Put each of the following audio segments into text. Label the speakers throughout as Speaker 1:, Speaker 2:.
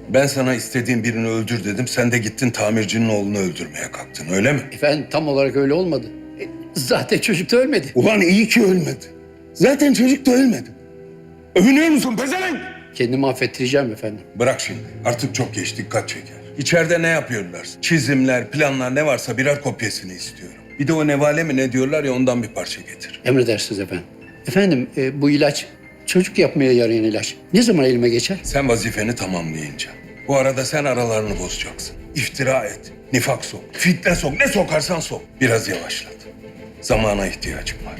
Speaker 1: Ben sana istediğin birini öldür dedim. Sen de gittin tamircinin oğlunu öldürmeye kalktın, öyle mi?
Speaker 2: Efendim tam olarak öyle olmadı. Zaten çocuk da ölmedi.
Speaker 1: Ulan iyi ki ölmedi. Zaten çocuk da ölmedi. Övünüyor musun pezevenk?
Speaker 2: Kendimi affettireceğim efendim.
Speaker 1: Bırak şimdi. Artık çok geç, dikkat çeker. İçeride ne yapıyorlar? Çizimler, planlar ne varsa birer kopyasını istiyorum. Bir de o nevale mi ne diyorlar ya, ondan bir parça getir.
Speaker 2: Emredersiniz efendim. Efendim bu ilaç çocuk yapmaya yarayan ilaç. Ne zaman elime geçer?
Speaker 1: Sen vazifeni tamamlayınca. Bu arada sen aralarını bozacaksın. İftira et, nifak sok, fitne sok, ne sokarsan sok. Biraz yavaşlat. Zamana ihtiyacım var.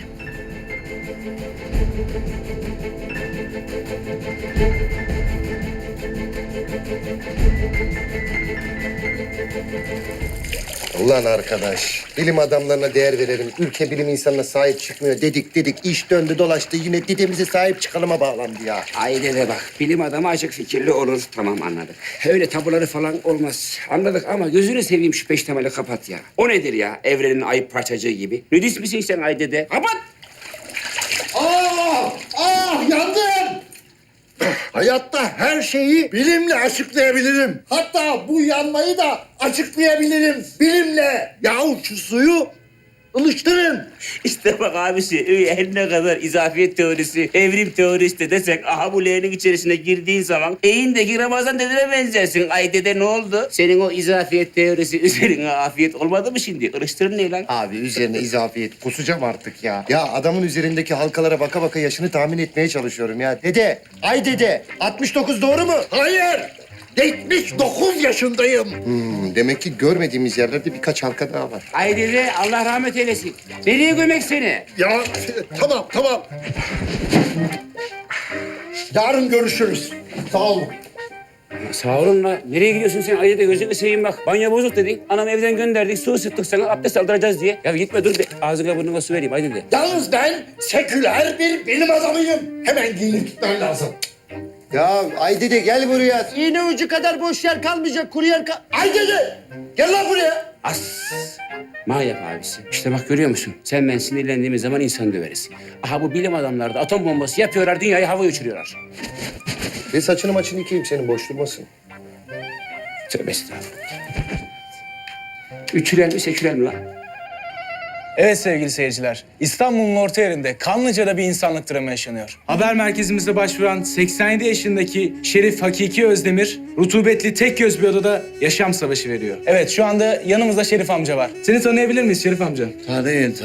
Speaker 3: Ulan arkadaş, bilim adamlarına değer verelim. Ülke bilim insanına sahip çıkmıyor dedik. İş döndü dolaştı yine dedemize sahip çıkalıma bağlandı ya.
Speaker 4: Ailede bak, bilim adamı açık fikirli olur. Tamam, anladık. Öyle tabuları falan olmaz. Anladık ama gözünü seveyim şu peştemali kapat ya. O nedir ya? Evrenin ayıp parçacığı gibi. Nudist misin sen Ayde'de? Kapat!
Speaker 3: Yandım! Hayatta her şeyi bilimle açıklayabilirim. Hatta bu yanmayı da açıklayabilirim bilimle. Yahu şu suyu ılıştırın.
Speaker 4: İşte bak abisi, her ne kadar izafiyet teorisi, evrim teorisi de desek, aha bu leğenin içerisine girdiğin zaman eğindeki Ramazan dedene benzersin. Ay dede ne oldu? Senin o izafiyet teorisi üzerine afiyet olmadı mı şimdi? Irıştırın ne lan?
Speaker 3: Abi üzerine izafiyet kusacağım artık ya. Ya adamın üzerindeki halkalara baka baka yaşını tahmin etmeye çalışıyorum ya. Dede, ay dede 69 doğru mu? Hayır. 79 yaşındayım. Demek ki görmediğimiz yerlerde birkaç halka daha var.
Speaker 4: Ay dede Allah rahmet eylesin. Nereye gömek seni?
Speaker 3: Ya tamam. Yarın görüşürüz. Sağ olun.
Speaker 4: Sağ olun la. Nereye gidiyorsun sen? Ay dede gözünü seveyim bak. Banyo bozuk dedin. Anam evden gönderdik. Su ısıttık sana. Abdest aldıracağız diye. Ya gitme dur be. Ağzına burnuna su vereyim. Ay dede.
Speaker 3: Yalnız ben seküler bir bilim adamıyım. Hemen giyinip gitmen lazım. Ya ay dede gel buraya. İğne ucu kadar boş yer kalmayacak. Kuru yer Ay dede gel lan buraya.
Speaker 4: As. Ma yap abisi. İşte bak görüyor musun? Sen ben sinirlendiğimiz zaman insan döveriz. Aha bu bilim adamları da atom bombası yapıyorlar. Dünyayı havaya uçuruyorlar.
Speaker 3: Ve saçını maçını yıkayayım senin boş durmasın.
Speaker 4: Tövbe estağfurullah. Üçüler mi seküler mi lan?
Speaker 5: Evet sevgili seyirciler, İstanbul'un orta yerinde Kanlıca'da bir insanlık dramı yaşanıyor. Haber merkezimizde başvuran 87 yaşındaki Şerif Hakiki Özdemir, rutubetli tek göz bir odada yaşam savaşı veriyor. Evet, şu anda yanımızda Şerif amca var. Seni tanıyabilir miyiz Şerif amca?
Speaker 6: Tanıyın.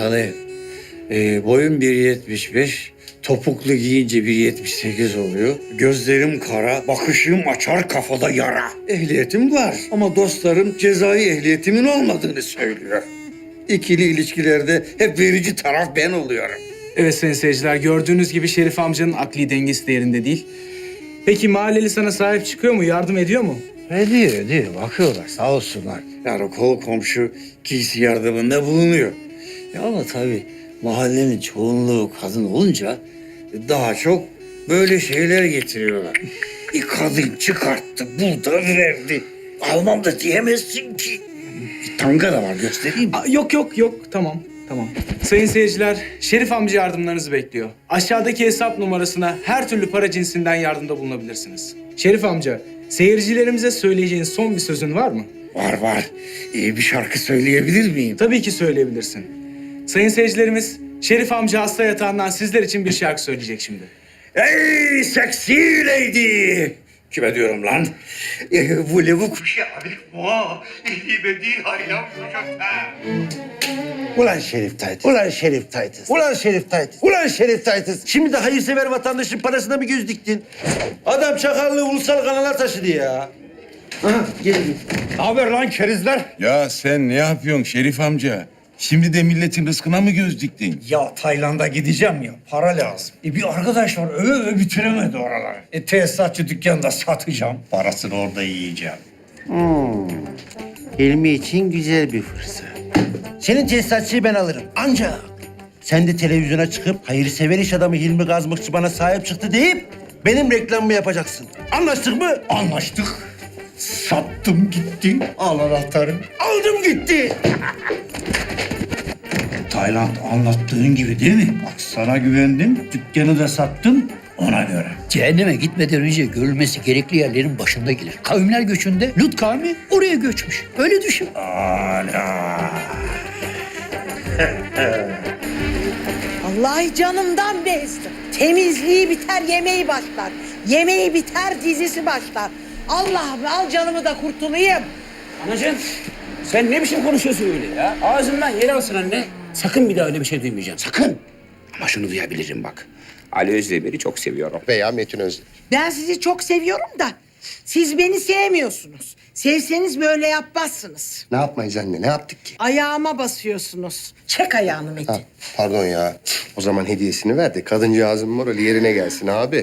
Speaker 6: Boyum 1.75, topuklu giyince 1.78 oluyor. Gözlerim kara, bakışım açar kafada yara. Ehliyetim var ama dostlarım cezai ehliyetimin olmadığını söylüyor. İkili ilişkilerde hep verici taraf ben oluyorum.
Speaker 5: Evet sayın seyirciler, gördüğünüz gibi Şerif amcanın akli dengesi de yerinde değil. Peki mahalleli sana sahip çıkıyor mu, yardım ediyor mu?
Speaker 6: Ediyor. Bakıyorlar sağ olsunlar. Yani kol komşu giysi yardımında bulunuyor. Ya ama tabii mahallenin çoğunluğu kadın olunca daha çok böyle şeyler getiriyorlar. Bir kadın çıkarttı, burada verdi. Almam da diyemezsin ki. Bir tanga da var, göstereyim mi?
Speaker 5: Yok. Tamam. Sayın seyirciler, Şerif amca yardımlarınızı bekliyor. Aşağıdaki hesap numarasına her türlü para cinsinden yardımda bulunabilirsiniz. Şerif amca, seyircilerimize söyleyeceğin son bir sözün var mı?
Speaker 6: Var. İyi bir şarkı söyleyebilir miyim?
Speaker 5: Tabii ki söyleyebilirsin. Sayın seyircilerimiz, Şerif amca hasta yatağından sizler için bir şarkı söyleyecek şimdi.
Speaker 6: Ey seksi lady! Kime diyorum lan? Voulez-vous coucher avec moi? İyi bedi hayran kuşakta.
Speaker 3: Ulan Şerif Taytız. Şimdi de hayırsever vatandaşın parasına mı göz diktin? Adam çakallığı ulusal kanala taşıdı ya. Aha gelin.
Speaker 6: Ne haber lan kerizler?
Speaker 1: Ya sen ne yapıyorsun Şerif amca? Şimdi de milletin rızkına mı göz diktin?
Speaker 6: Ya Tayland'a gideceğim ya, para lazım. Bir arkadaş var, öve bitiremedi oraları. Tesisatçı dükkanında satacağım. Parasını orada yiyeceğim.
Speaker 3: Hilmi için güzel bir fırsat. Senin tesisatçıyı ben alırım. Ancak sen de televizyona çıkıp hayırsever iş adamı Hilmi Gazmıkçı bana sahip çıktı deyip benim reklamımı yapacaksın. Anlaştık mı?
Speaker 6: Anlaştık. Sattım gitti. Al anahtarı.
Speaker 3: Aldım gitti.
Speaker 6: Tayland anlattığın gibi değil mi? Bak sana güvendim, dükkanı da sattım. Ona göre.
Speaker 2: Cehenneme gitmeden önce görülmesi gerekli yerlerin başında gelir. Kavimler göçünde Lut kavmi oraya göçmüş. Öyle düşün.
Speaker 7: Vallahi canımdan bezdim. Temizliği biter, yemeği başlar. Yemeği biter, dizisi başlar. Allah'ım al canımı da kurtulayım.
Speaker 4: Anacığım sen ne biçim konuşuyorsun öyle ya? Ağzından yer alsın anne. Sakın bir daha öyle bir şey duymayacağım. Sakın. Ama şunu duyabilirim bak. Ali Özdemir'i çok seviyorum.
Speaker 3: Veya Metin Özdemir.
Speaker 7: Ben sizi çok seviyorum da siz beni sevmiyorsunuz. Sevseniz böyle yapmazsınız.
Speaker 3: Ne yapmayız anne? Ne yaptık ki?
Speaker 7: Ayağıma basıyorsunuz. Çek ayağını Metin.
Speaker 3: Ha, pardon ya. O zaman hediyesini ver de kadıncağızın morali yerine gelsin abi.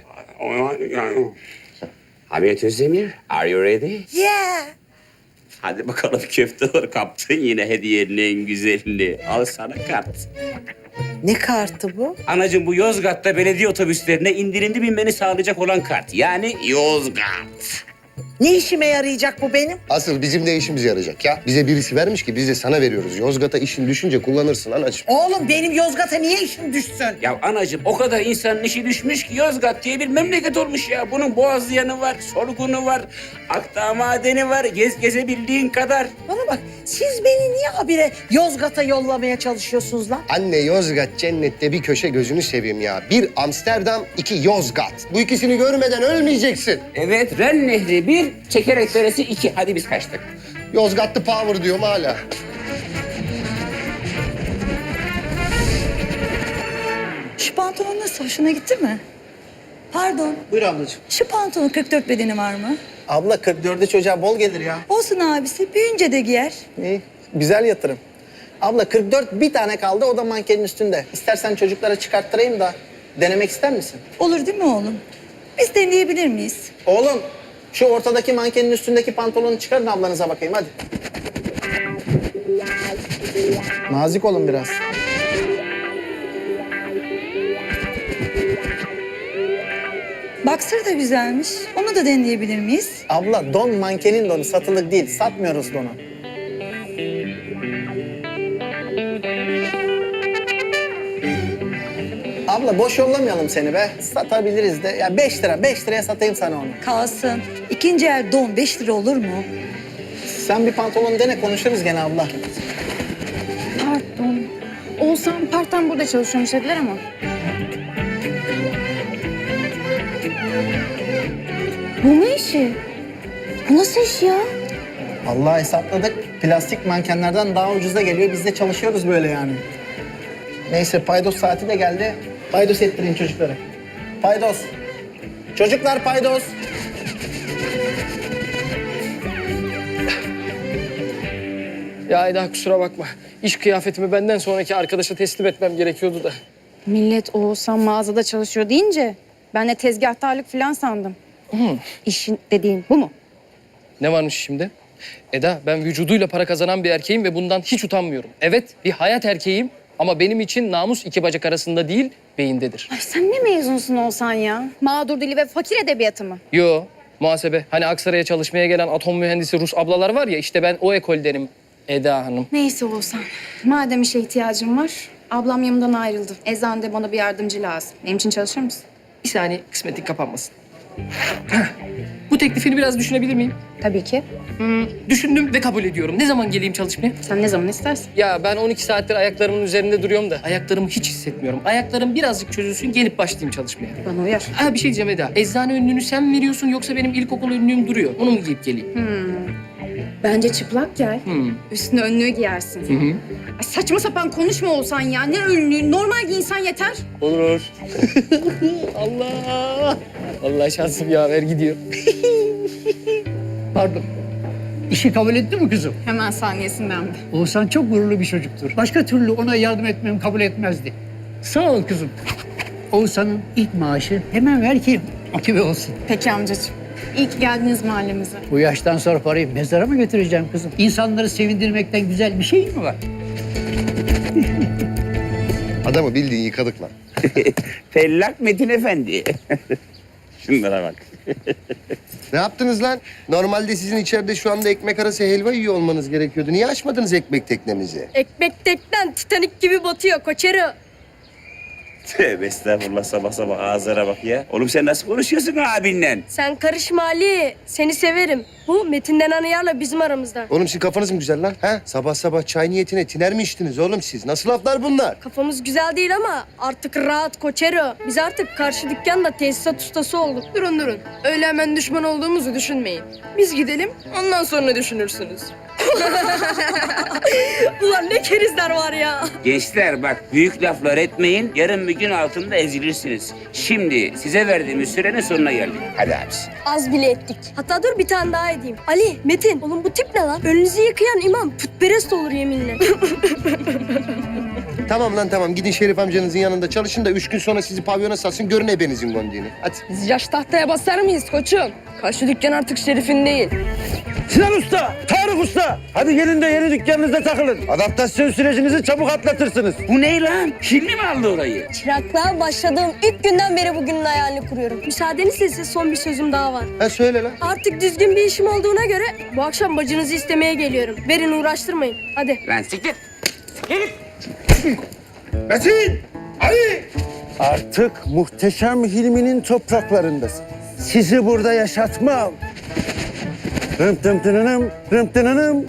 Speaker 4: Hamiyet Özdemir, are you ready?
Speaker 7: Yeah.
Speaker 4: Hadi bakalım köfte kaptın yine hediyenin en güzelini. Al sana kart.
Speaker 7: Ne kartı bu?
Speaker 4: Anacığım bu Yozgat'ta belediye otobüslerine indirimli binmeni sağlayacak olan kart. Yani Yozgat.
Speaker 7: Ne işime yarayacak bu benim?
Speaker 3: Asıl bizim de işimize yarayacak ya. Bize birisi vermiş ki biz de sana veriyoruz. Yozgat'a işin düşünce kullanırsın anacığım.
Speaker 7: Oğlum benim Yozgat'a niye işim düşsün?
Speaker 4: Ya anacığım o kadar insanın işi düşmüş ki Yozgat diye bir memleket olmuş ya. Bunun Boğazlayanı var, Sorgun'u var, Akdağ Madeni var, gezebildiğin kadar.
Speaker 7: Bana bak siz beni niye habire Yozgat'a yollamaya çalışıyorsunuz lan?
Speaker 3: Anne Yozgat cennette bir köşe gözünü seveyim ya. Bir Amsterdam, iki Yozgat. Bu ikisini görmeden ölmeyeceksin.
Speaker 4: Evet, Ren Nehri 1, Çekerek Deresi 2. Hadi biz kaçtık.
Speaker 3: Yozgatlı power diyorum hala.
Speaker 8: Şu pantolon nasıl? Hoşuna gitti mi? Pardon.
Speaker 9: Buyur ablacığım.
Speaker 8: Şu pantolonun 44 bedeni var mı?
Speaker 9: Abla 44'e çocuğa bol gelir ya.
Speaker 8: Olsun abisi. Büyüyünce de giyer.
Speaker 9: İyi, güzel yatırım. Abla 44 bir tane kaldı, o da mankenin üstünde. İstersen çocuklara çıkarttırayım da denemek ister misin?
Speaker 8: Olur değil mi oğlum? Biz deneyebilir miyiz?
Speaker 9: Oğlum, şu ortadaki mankenin üstündeki pantolonu çıkarın ablanıza bakayım hadi. Nazik olun biraz.
Speaker 8: Baksır da güzelmiş. Onu da deneyebilir miyiz?
Speaker 9: Abla don mankenin donu, satılık değil. Satmıyoruz donu. Abla boş yollamayalım seni be. Satabiliriz de. Ya 5 lira, 5 liraya satayım sana onu.
Speaker 8: Kalsın. İkinci el don 5 lira olur mu?
Speaker 9: Sen bir pantolon dene, konuşuruz gene abla.
Speaker 10: Pardon. Oğuzhan part-time burada çalışıyormuş dediler ama. Bu ne işi? Bu nasıl iş ya?
Speaker 9: Vallahi hesapladık. Plastik mankenlerden daha ucuza geliyor. Biz de çalışıyoruz böyle yani. Neyse paydos saati de geldi. Paydos ettirin çocuklara. Paydos. Çocuklar paydos.
Speaker 11: Ya Eda kusura bakma. İş kıyafetimi benden sonraki arkadaşa teslim etmem gerekiyordu da.
Speaker 10: Millet Oğuzhan mağazada çalışıyor deyince ben de tezgahtarlık falan sandım. İşin dediğin bu mu?
Speaker 11: Ne varmış şimdi? Eda ben vücuduyla para kazanan bir erkeğim ve bundan hiç utanmıyorum. Evet bir hayat erkeğim ama benim için namus iki bacak arasında değil beyindedir.
Speaker 10: Ay sen ne mezunsun Oğuzhan ya? Mağdur dili ve fakir edebiyatı mı?
Speaker 11: Yo muhasebe. Hani Aksaray'a çalışmaya gelen atom mühendisi Rus ablalar var ya işte ben o ekol derim Eda Hanım.
Speaker 10: Neyse Oğuzhan. Madem işe ihtiyacım var, ablam yanımdan ayrıldı. Eczanede bana bir yardımcı lazım. Benim için çalışır mısın?
Speaker 11: Bir saniye kısmetin kapanmasın. Bu teklifini biraz düşünebilir miyim?
Speaker 10: Tabii ki.
Speaker 11: Düşündüm ve kabul ediyorum. Ne zaman geleyim çalışmaya?
Speaker 10: Sen ne zaman istersin?
Speaker 11: Ya ben 12 saattir ayaklarımın üzerinde duruyorum da ayaklarımı hiç hissetmiyorum. Ayaklarım birazcık çözülsün gelip başlayayım çalışmaya.
Speaker 10: Bana uyar.
Speaker 11: Ha bir şey diyeceğim Eda. Eczane önlüğünü sen mi veriyorsun yoksa benim ilkokul önlüğüm duruyor. Onu mu giyip geleyim?
Speaker 10: Bence çıplak gel. Üstüne önlüğü giyersin. Ay saçma sapan konuşma Oğuzhan ya. Ne önlüğü? Normal giyinsen yeter.
Speaker 11: Olur. Allah. Allah şansım yaver gidiyor.
Speaker 2: Pardon. İşi kabul etti mi kızım?
Speaker 10: Hemen saniyesinden de.
Speaker 2: Oğuzhan çok gururlu bir çocuktur. Başka türlü ona yardım etmemi kabul etmezdi. Sağ ol kızım. Oğuzhan'ın ilk maaşı hemen ver ki motive olsun.
Speaker 10: Peki amcacığım. İyi ki geldiniz mahallemize.
Speaker 2: Bu yaştan sonra parayı mezara mı götüreceğim kızım? İnsanları sevindirmekten güzel bir şey mi var?
Speaker 3: Adamı bildiğin yıkadık lan.
Speaker 4: Fellak Metin Efendi. Şunlara bak.
Speaker 3: Ne yaptınız lan? Normalde sizin içeride şu anda ekmek arası helva yiyor olmanız gerekiyordu. Niye açmadınız ekmek teknemizi?
Speaker 8: Ekmek teknen Titanik gibi batıyor koçero.
Speaker 4: Tövbe estağfurullah, sabah sabah ağızlara bak ya. Oğlum sen nasıl konuşuyorsun abinle?
Speaker 10: Sen karışma Ali. Seni severim. Bu Metin'den Anıyar'la bizim aramızda.
Speaker 3: Oğlum sizin kafanız mı güzel lan? Ha? Sabah sabah çay niyetine tiner mi içtiniz oğlum siz? Nasıl laflar bunlar?
Speaker 10: Kafamız güzel değil ama artık rahat Koçero. Biz artık karşı dükkanda tesisat ustası olduk.
Speaker 8: Durun. Öyle hemen düşman olduğumuzu düşünmeyin. Biz gidelim, ondan sonra düşünürsünüz.
Speaker 10: Ulan ne kerizler var ya.
Speaker 4: Gençler bak, büyük laflar etmeyin. Yarın bir gün altında ezilirsiniz. Şimdi size verdiğimiz sürenin sonuna geldik. Hadi abisi.
Speaker 10: Az bile ettik. Hatta dur bir tane daha edeyim. Ali, Metin, oğlum bu tip ne lan? Önünüzü yıkayan imam putperest olur yeminle.
Speaker 3: Tamam lan tamam. Gidin Şerif amcanızın yanında çalışın da 3 gün sonra sizi pavyona satsın. Görün ebenizin gondiğini. Hadi.
Speaker 8: Biz yaş tahtaya basar mıyız koçum? Karşı dükkan artık Şerif'in değil.
Speaker 6: Sinan Usta, Tarık Usta. Hadi gelin de yeni dükkanınızda takılın. Adaptasyon sürecinizi çabuk atlatırsınız.
Speaker 4: Bu ne lan? Hilmi mi aldı orayı?
Speaker 10: Çıraklığa başladığım ilk günden beri bugünün hayalini kuruyorum. Müsaadenizle size son bir sözüm daha var.
Speaker 3: Ha söyle lan.
Speaker 10: Artık düzgün bir işim olduğuna göre bu akşam bacınızı istemeye geliyorum. Verin uğraştırmayın. Hadi.
Speaker 4: Lan siktir.
Speaker 3: Metin! Ali!
Speaker 6: Artık muhteşem Hilmi'nin topraklarındasın. Sizi burada yaşatmam. Rım tım tınınım, rım tınınım.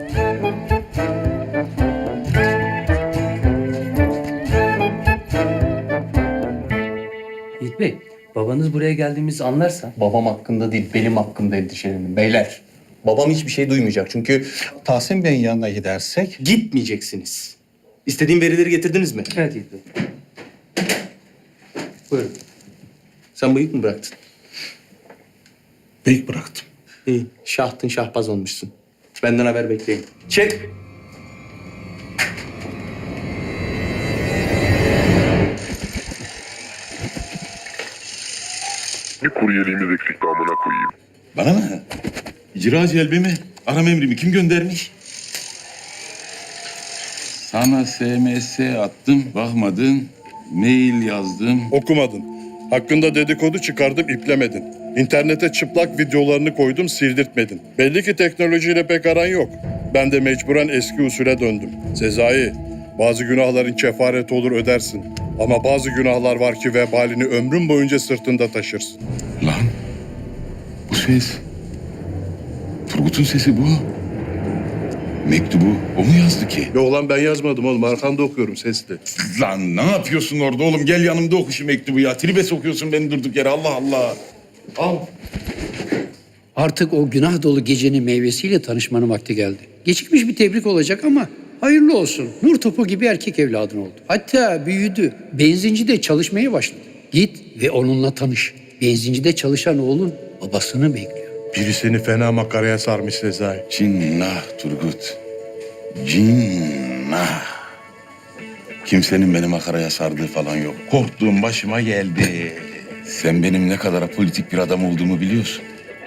Speaker 11: Yiğit Bey, babanız buraya geldiğimizi anlarsa...
Speaker 12: Babam hakkında değil, benim hakkımda endişelenin. Beyler, babam hiçbir şey duymayacak. Çünkü Tahsin Bey'in yanına gidersek...
Speaker 11: Gitmeyeceksiniz. İstediğim verileri getirdiniz mi? Evet Yiğit Bey. Buyurun. Sen bıyık mı bıraktın?
Speaker 1: Bıyık bıraktım.
Speaker 11: İyi, şahtın şahbaz olmuşsun. Benden haber bekleyin. Çek!
Speaker 13: Bir kuryeliğimiz eksikti amına koyayım.
Speaker 1: Bana mı? İcra celbimi, aram emrimi kim göndermiş? Sana SMS attım, bakmadın. Mail yazdım.
Speaker 13: Okumadın. Hakkında dedikodu çıkardım, iplemedin. İnternete çıplak videolarını koydum, sildirtmedin. Belli ki teknolojiyle pek aran yok. Ben de mecburen eski usule döndüm. Sezai, bazı günahların kefareti olur ödersin. Ama bazı günahlar var ki vebalini ömrün boyunca sırtında taşırsın.
Speaker 1: Lan, bu ses. Turgut'un sesi bu. Mektubu o mu yazdı ki?
Speaker 13: Yok lan ben yazmadım oğlum, arkanda okuyorum sesli.
Speaker 1: Lan ne yapıyorsun orada oğlum? Gel yanımda oku şu mektubu ya. Tribe sokuyorsun beni durduk yere. Allah Allah. Al.
Speaker 2: Artık o günah dolu gecenin meyvesiyle tanışmanın vakti geldi. Gecikmiş bir tebrik olacak ama hayırlı olsun. Nur topu gibi erkek evladın oldu. Hatta büyüdü. Benzincide çalışmaya başladı. Git ve onunla tanış. Benzincide çalışan oğlun babasını bekliyor.
Speaker 13: Biri seni fena makaraya sarmış Sezai.
Speaker 1: Cinnah Turgut. Cinnah. Kimsenin beni makaraya sardığı falan yok. Korktuğum başıma geldi. Sen benim ne kadar politik bir adam olduğumu biliyorsun.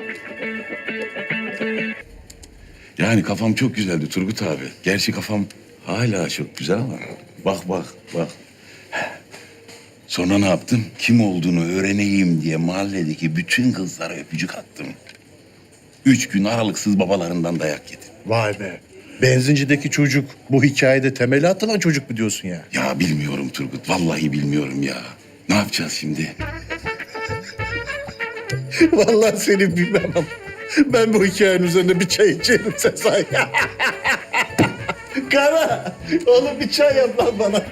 Speaker 1: Yani kafam çok güzeldi Turgut abi. Gerçi kafam hala çok güzel ama bak. Sonra ne yaptım? Kim olduğunu öğreneyim diye mahalledeki bütün kızlara öpücük attım. 3 gün aralıksız babalarından dayak yedim.
Speaker 13: Vay be. Benzincideki çocuk bu hikayede temeli atılan çocuk mu diyorsun ya?
Speaker 1: Ya bilmiyorum Turgut. Vallahi bilmiyorum ya. Ne yapacağız şimdi?
Speaker 13: Vallahi seni bilmem ama ben bu hikayenin üzerine bir çay içerim Sezai. Kara, oğlum bir çay yap lan bana.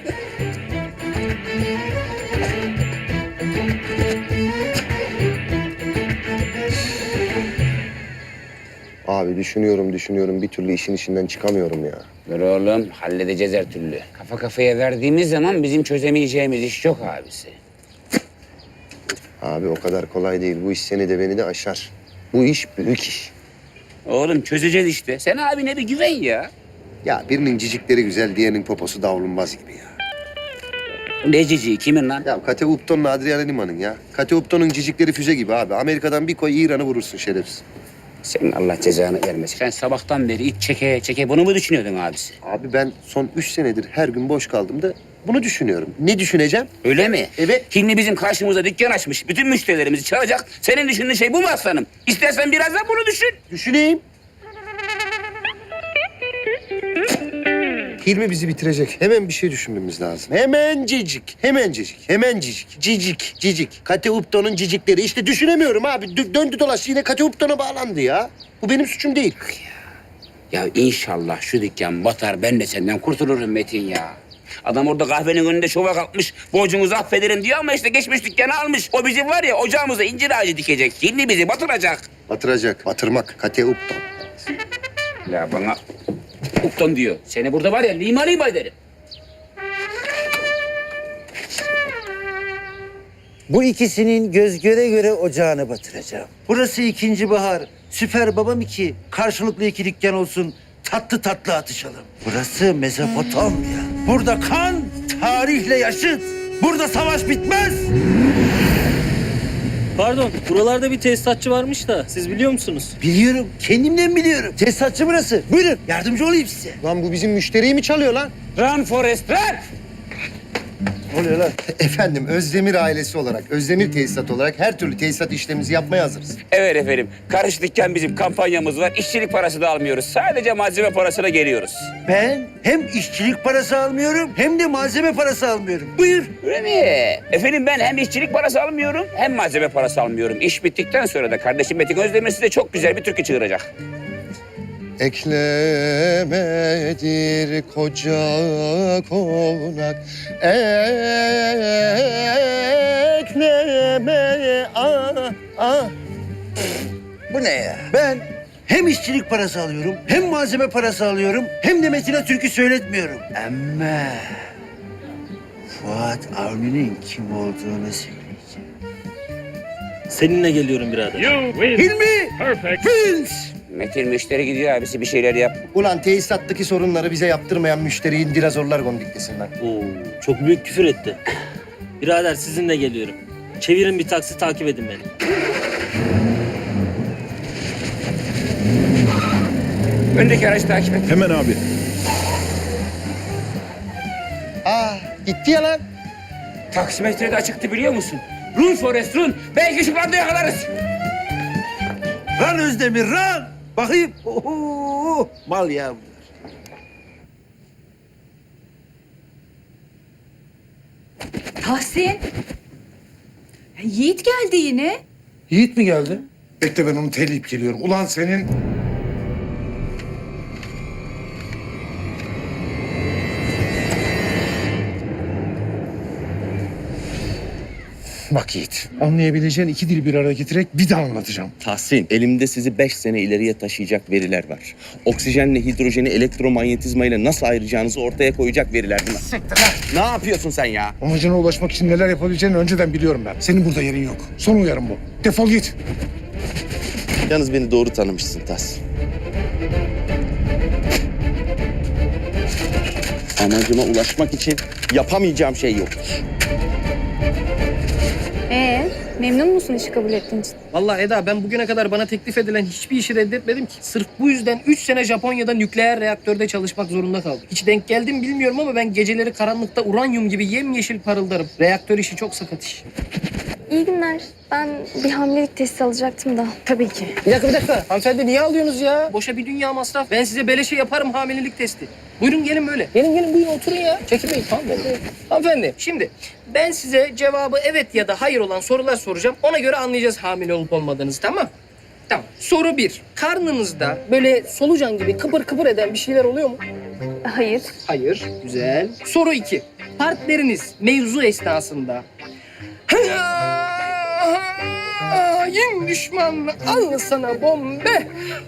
Speaker 3: Abi düşünüyorum. Bir türlü işin içinden çıkamıyorum ya.
Speaker 4: Dur oğlum, halledeceğiz her türlü. Kafa kafaya verdiğimiz zaman bizim çözemeyeceğimiz iş yok abisi.
Speaker 3: Abi o kadar kolay değil. Bu iş seni de beni de aşar. Bu iş büyük iş.
Speaker 4: Oğlum çözeceğiz işte. Sen abine bir güven ya.
Speaker 3: Ya birinin cicikleri güzel, diğerinin poposu davulunmaz gibi ya.
Speaker 4: Ne cici, kimin lan?
Speaker 3: Ya Kate Upton'la Adriana Lima'nın ya. Kate Upton'un cicikleri füze gibi abi. Amerika'dan bir koy İran'ı vurursun şerefsiz.
Speaker 4: Senin Allah cezanı vermesin. Sen sabahtan beri iç çeke bunu mu düşünüyordun abisi?
Speaker 3: Abi ben son 3 senedir her gün boş kaldım da bunu düşünüyorum. Ne düşüneceğim?
Speaker 4: Öyle mi?
Speaker 3: Evet.
Speaker 4: Hilmi bizim karşımıza dükkan açmış. Bütün müşterilerimizi çalacak. Senin düşündüğün şey bu mu aslanım? İstersen biraz da bunu düşün.
Speaker 3: Düşüneyim. Hilmi bizi bitirecek. Hemen bir şey düşünmemiz lazım. Hemencecik, hemencecik, hemencecik, cicik. Kate Upton'un cicikleri. İşte düşünemiyorum abi. Döndü dolaştı yine Kate Upton'a bağlandı ya. Bu benim suçum değil.
Speaker 4: Ya inşallah şu dükkan batar, ben de senden kurtulurum Metin ya. Adam orada kahvenin önünde şova kalkmış, borcunuzu affederim diyor ama işte geçmiş dükkanı almış. O bizim var ya ocağımıza incir ağacı dikecek. Hilmi bizi batıracak.
Speaker 3: Batıracak, batırmak. Kate Upton.
Speaker 4: Ya bana Upton diyor. Seni burada var ya lima ederim.
Speaker 6: Bu ikisinin göz göre göre ocağını batıracağım. Burası ikinci bahar. Süper babam 2. Karşılıklı 2 dükkan olsun. Tatlı tatlı atışalım. Burası Mezopotamya. Burada kan tarihle yaşıt. Burada savaş bitmez.
Speaker 11: Pardon, buralarda bir tesisatçı varmış da siz biliyor musunuz?
Speaker 6: Biliyorum. Kendimden biliyorum. Tesisatçı burası. Buyurun. Yardımcı olayım size.
Speaker 3: Lan bu bizim müşteriyi mi çalıyor lan?
Speaker 4: Run Forest run!
Speaker 3: Ne oluyor lan? Efendim Özdemir ailesi olarak, Özdemir tesisat olarak her türlü tesisat işlemimizi yapmaya hazırız.
Speaker 4: Evet efendim. Karış dükkan bizim kampanyamız var. İşçilik parası da almıyoruz. Sadece malzeme parasına geliyoruz.
Speaker 6: Ben hem işçilik parası almıyorum hem de malzeme parası almıyorum. Buyur.
Speaker 4: Öyle mi? Efendim ben hem işçilik parası almıyorum hem malzeme parası almıyorum. İş bittikten sonra da kardeşim Metin Özdemir size çok güzel bir türkü çığıracak.
Speaker 3: Eklemedir koca konak, ekleme,
Speaker 6: Bu ne ya? Ben hem işçilik parası alıyorum, hem malzeme parası alıyorum, hem de Metin'e türkü söyletmiyorum. Ama Fuat Avni'nin kim olduğunu söyleyeceğim.
Speaker 11: Seninle geliyorum birader.
Speaker 6: Hilmi! Vince!
Speaker 4: Metin müşteri gidiyor abisi bir şeyler yap.
Speaker 3: Ulan tesisattaki sorunları bize yaptırmayan müşteriyi dinozorlar gondiklesin lan.
Speaker 11: Oo, çok büyük küfür etti. Birader sizinle geliyorum. Çevirin bir taksi takip edin beni.
Speaker 4: Öndeki aracı takip et.
Speaker 13: Hemen abi.
Speaker 3: Gitti ya lan.
Speaker 4: Taksimetre de açıktı biliyor musun? Run Forest run. Belki ışıklarda yakalarız.
Speaker 6: Lan Özdemir, lan! Bakayım. Oho! Mal ya bunlar.
Speaker 10: Tahsin. Yiğit geldi yine.
Speaker 14: Yiğit mi geldi? Bekle ben onu teleyip geliyorum. Ulan senin... Bak Yiğit, anlayabileceğin 2 dil bir araya getirerek bir daha anlatacağım.
Speaker 15: Tahsin, elimde sizi 5 sene ileriye taşıyacak veriler var. Oksijenle hidrojeni elektromanyetizma ile nasıl ayıracağınızı ortaya koyacak veriler bunlar. Ne yapıyorsun sen ya?
Speaker 14: Amacına ulaşmak için neler yapabileceğini önceden biliyorum ben. Senin burada yerin yok. Son uyarım bu. Defol git.
Speaker 15: Yalnız beni doğru tanımışsın Tahsin. Amacıma ulaşmak için yapamayacağım şey yok.
Speaker 10: Memnun musun işi kabul ettiğin için?
Speaker 11: Vallahi Eda ben bugüne kadar bana teklif edilen hiçbir işi reddetmedim ki. Sırf bu yüzden 3 sene Japonya'da nükleer reaktörde çalışmak zorunda kaldım. Hiç denk geldim bilmiyorum ama ben geceleri karanlıkta uranyum gibi yemyeşil parıldarım. Reaktör işi çok sakat iş.
Speaker 10: İyi günler. Ben bir hamilelik testi alacaktım da. Tabii ki.
Speaker 11: Bir dakika. Hanımefendi niye alıyorsunuz ya? Boşa bir dünya masraf. Ben size beleşe yaparım hamilelik testi. Buyurun gelin böyle. Gelin buyurun oturun ya. Çekinmeyin. Hanımefendi şimdi ben size cevabı evet ya da hayır olan sorular soracağım. Ona göre anlayacağız hamile olup olmadığınızı, tamam? Tamam. Soru 1. Karnınızda böyle solucan gibi kıpır kıpır eden bir şeyler oluyor mu?
Speaker 10: Hayır.
Speaker 11: Hayır. Güzel. Soru 2. Partneriniz mevzu esnasında hain düşman al sana bombe.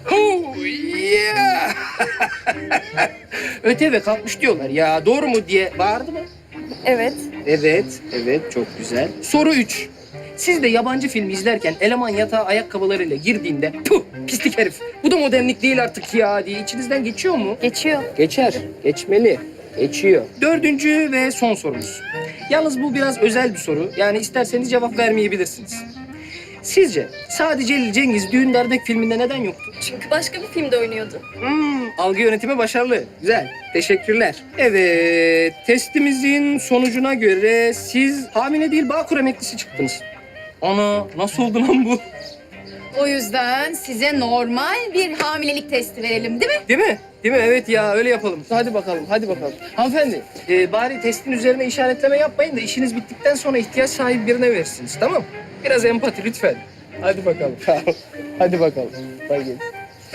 Speaker 11: Yeah. Öte ve kalkmış diyorlar ya, doğru mu diye bağırdı mı?
Speaker 10: Evet.
Speaker 11: Evet çok güzel. Soru 3. Siz de yabancı film izlerken eleman yatağa ayakkabılarıyla girdiğinde puh pislik herif bu da modernlik değil artık ya diye içinizden geçiyor mu?
Speaker 10: Geçiyor.
Speaker 11: Geçer. Geçmeli. Geçiyor. 4. ve son sorumuz. Yalnız bu biraz özel bir soru. Yani isterseniz cevap vermeyebilirsiniz. Sizce Sadi Celil Cengiz Düğün Dernek filminde neden yoktu?
Speaker 10: Çünkü başka bir filmde oynuyordu.
Speaker 11: Algı yönetimi başarılı. Güzel. Teşekkürler. Evet, testimizin sonucuna göre siz hamile değil Bağkur emeklisi çıktınız. Ana, nasıl oldu lan bu?
Speaker 10: O yüzden size normal bir hamilelik testi verelim değil mi?
Speaker 11: Değil mi? Değil mi? Evet ya öyle yapalım. Hadi bakalım, hadi bakalım. Hanımefendi, bari testin üzerine işaretleme yapmayın da işiniz bittikten sonra ihtiyaç sahibi birine verirsiniz, tamam mı? Biraz empati lütfen. Hadi bakalım. Hadi bakalım. Hadi gelin.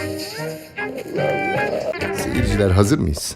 Speaker 16: Seyirciler hazır mıyız?